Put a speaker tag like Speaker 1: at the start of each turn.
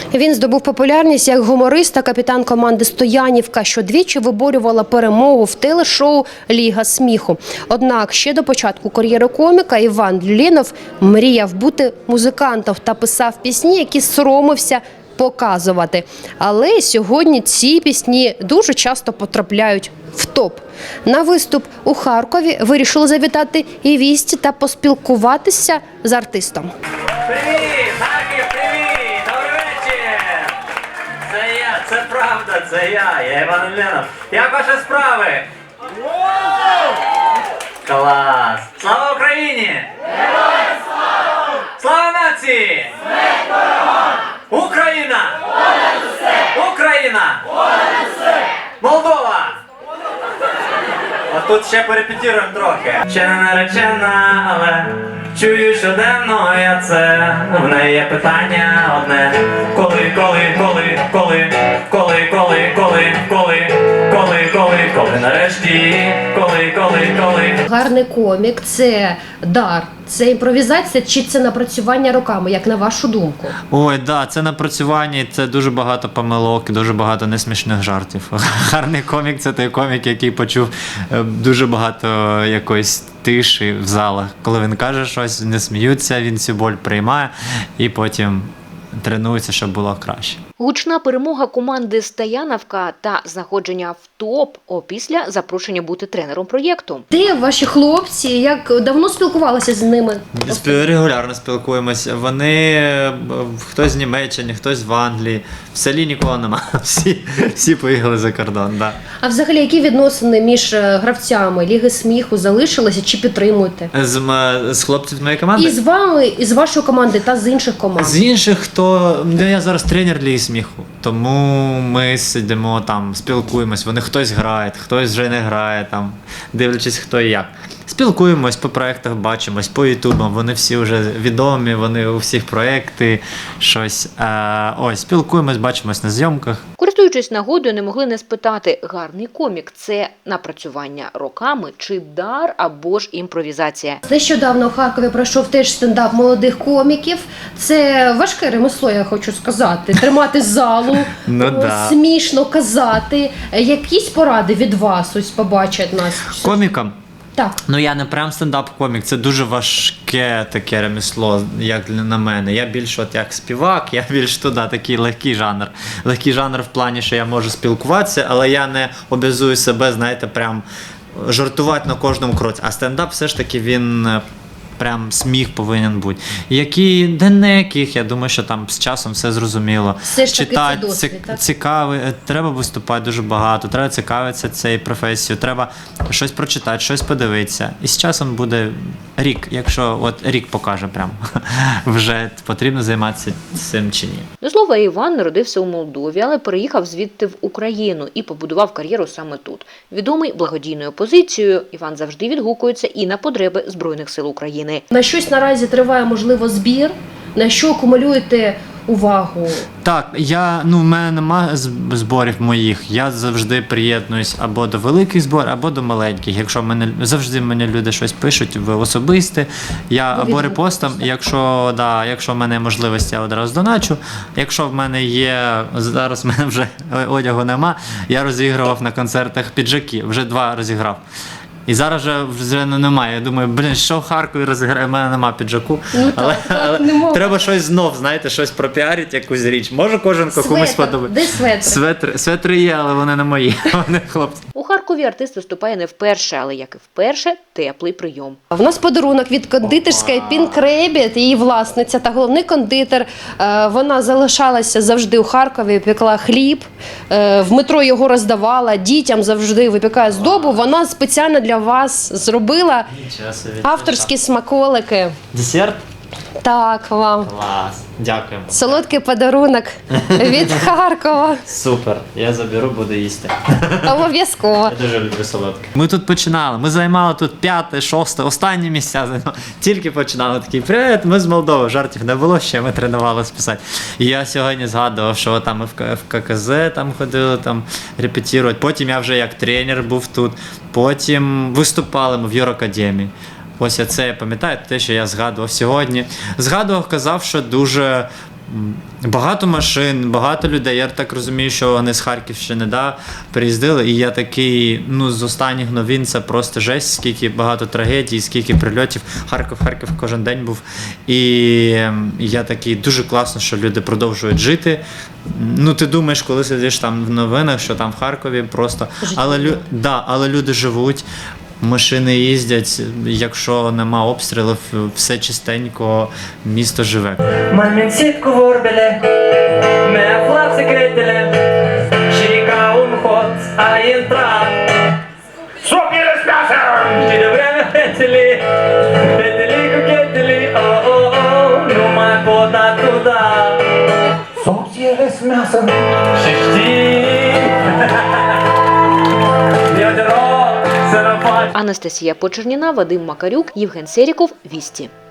Speaker 1: Він здобув популярність як гуморист та капітан команди «Стоянівка», що двічі виборювала перемогу в телешоу «Ліга сміху». Однак ще до початку кар'єри коміка Іван Люлінов мріяв бути музикантом та писав пісні, які соромився показувати. Але сьогодні ці пісні дуже часто потрапляють в топ. На виступ у Харкові вирішили завітати і вісті та поспілкуватися з артистом.
Speaker 2: Привіт, Харків, привіт! Добрий вечір! Це я, це правда, це я Іван Люлінов. Як ваші справи? Клас! Слава Україні! Героям слава! Слава нації! Смерть ворогам! Україна! Понад усе! Україна! Понад усе! Молдова! А тут ще перепетіруємо трохи. Ще не наречена, але чую щоденно я це. В неї є питання одне. Коли нарешті, коли.
Speaker 1: Гарний комік – це дар, це імпровізація чи це напрацювання роками, як на вашу думку?
Speaker 3: Ой, да, це напрацювання, це дуже багато помилок, дуже багато несмішних жартів. Гарний комік – це той комік, який почув дуже багато якоїсь тиші в залах. Коли він каже щось, не сміються, він цю боль приймає і потім тренується, щоб було краще.
Speaker 4: Гучна перемога команди «Стоянівка» та знаходження в топ опісля запрошення бути тренером проєкту.
Speaker 1: Де ваші хлопці? Як давно спілкувалися з ними?
Speaker 3: Регулярно спілкуємося. Вони, хтось з Німеччини, хтось в Англії. В селі нікого нема. Всі поїхали за кордон. Да.
Speaker 1: А взагалі, які відносини між гравцями Ліги сміху залишилися чи підтримуєте?
Speaker 3: З хлопців моєї команди?
Speaker 1: І з вами, і з вашої команди, та з інших команд?
Speaker 3: З інших, я зараз тренер Ліги сміху, тому ми сидимо там, спілкуємось, вони хтось грає, хтось вже не грає, там, дивлячись хто і як. Спілкуємось, по проєктах бачимось, по ютубам, вони всі вже відомі, вони у всіх проєкти, щось. Ось, спілкуємось, бачимось на зйомках.
Speaker 4: Користуючись нагодою, не могли не спитати, гарний комік – це напрацювання роками чи дар або ж імпровізація?
Speaker 1: Нещодавно у Харкові пройшов теж стендап молодих коміків. Це важке ремесло, я хочу сказати. Тримати залу, смішно казати. Якісь поради від вас ось побачать нас?
Speaker 3: Комікам?
Speaker 1: Так.
Speaker 3: Ну я не прям стендап-комік, це дуже важке таке ремесло, як на мене. Я більш от як співак, я більш туди такий легкий жанр. Легкий жанр в плані, що я можу спілкуватися, але я не обов'язую себе, знаєте, прям жартувати на кожному кроці. А стендап все ж таки він прям сміх повинен бути. Де не яких, я думаю, що там з часом все зрозуміло.
Speaker 1: Все ж таки це досвід, так?
Speaker 3: Цікавий, треба виступати дуже багато, треба цікавитися цією професією, треба щось прочитати, щось подивитися. І з часом буде рік, якщо от рік покаже прям, вже потрібно займатися цим чи ні.
Speaker 4: До слова, Іван народився у Молдові, але переїхав звідти в Україну і побудував кар'єру саме тут. Відомий благодійною позицією, Іван завжди відгукується і на потреби Збройних сил України.
Speaker 1: На щось наразі триває, можливо, збір? На що акумулюєте увагу?
Speaker 3: Так, в мене немає зборів моїх. Я завжди приєднуюсь або до великих зборів, або до маленьких. Якщо завжди мені люди щось пишуть в особисте, я або репостом, якщо в мене є можливість, я одразу доначу. Якщо в мене є, зараз в мене вже одягу нема, я розігрував на концертах піджаки, вже 2 розіграв. І зараз вже немає. Я думаю, що в Харкові розіграє, в мене нема піджаку. Але треба щось знов, знаєте, щось пропіарити, якусь річ. Може кожен комусь подобається.
Speaker 1: Де светри?
Speaker 3: Светри є, але вони не мої, вони хлопці.
Speaker 4: У Харкові артист виступає не вперше, але як і вперше, теплий прийом.
Speaker 1: В нас подарунок від кондитерської Pink Rabbit, її власниця та головний кондитер. Вона залишалася завжди у Харкові, пекла хліб, в метро його роздавала, дітям завжди випікає здобу. Вона спеціально для вас зробила авторські смаколики.
Speaker 3: Десерт?
Speaker 1: Так, вам.
Speaker 3: Клас, дякуємо.
Speaker 1: Солодкий подарунок від Харкова.
Speaker 3: Супер, я заберу, буду їсти.
Speaker 1: Обов'язково.
Speaker 3: Я дуже люблю солодке. Ми тут починали, ми займали тут 5-те, 6-те, останні місця. Тільки починали, такий, привіт, ми з Молдови, жартів не було ще, ми тренувалися писати. І я сьогодні згадував, що там ми в ККЗ там ходили, там репетирувати. Потім я вже як тренер був тут, потім виступали ми в Юракадемії. Ось це я пам'ятаю, те, що я згадував сьогодні. Згадував, казав, що дуже Багато машин, багато людей. Я так розумію, що вони з Харківщини приїздили. І я такий, з останніх новин це просто жесть, скільки багато трагедій, скільки прильотів. Харків кожен день був. І я такий, дуже класно, що люди продовжують жити. Ти думаєш, коли сидиш там в новинах, що там в Харкові просто. Але люди живуть. Машини їздять, якщо нема обстрілів, все чистенько, місто живе.
Speaker 2: Мамин сітку в орбеле, моя флаг секретеле, щека умхот, а інтра. Сокіли з м'ясом! Чи добре петелі, кукетелі, о-о-о, ну май пода туда. Сокіли з м'ясом, шишті.
Speaker 4: Анастасія Почерніна, Вадим Макарюк, Євген Серіков, Вісті.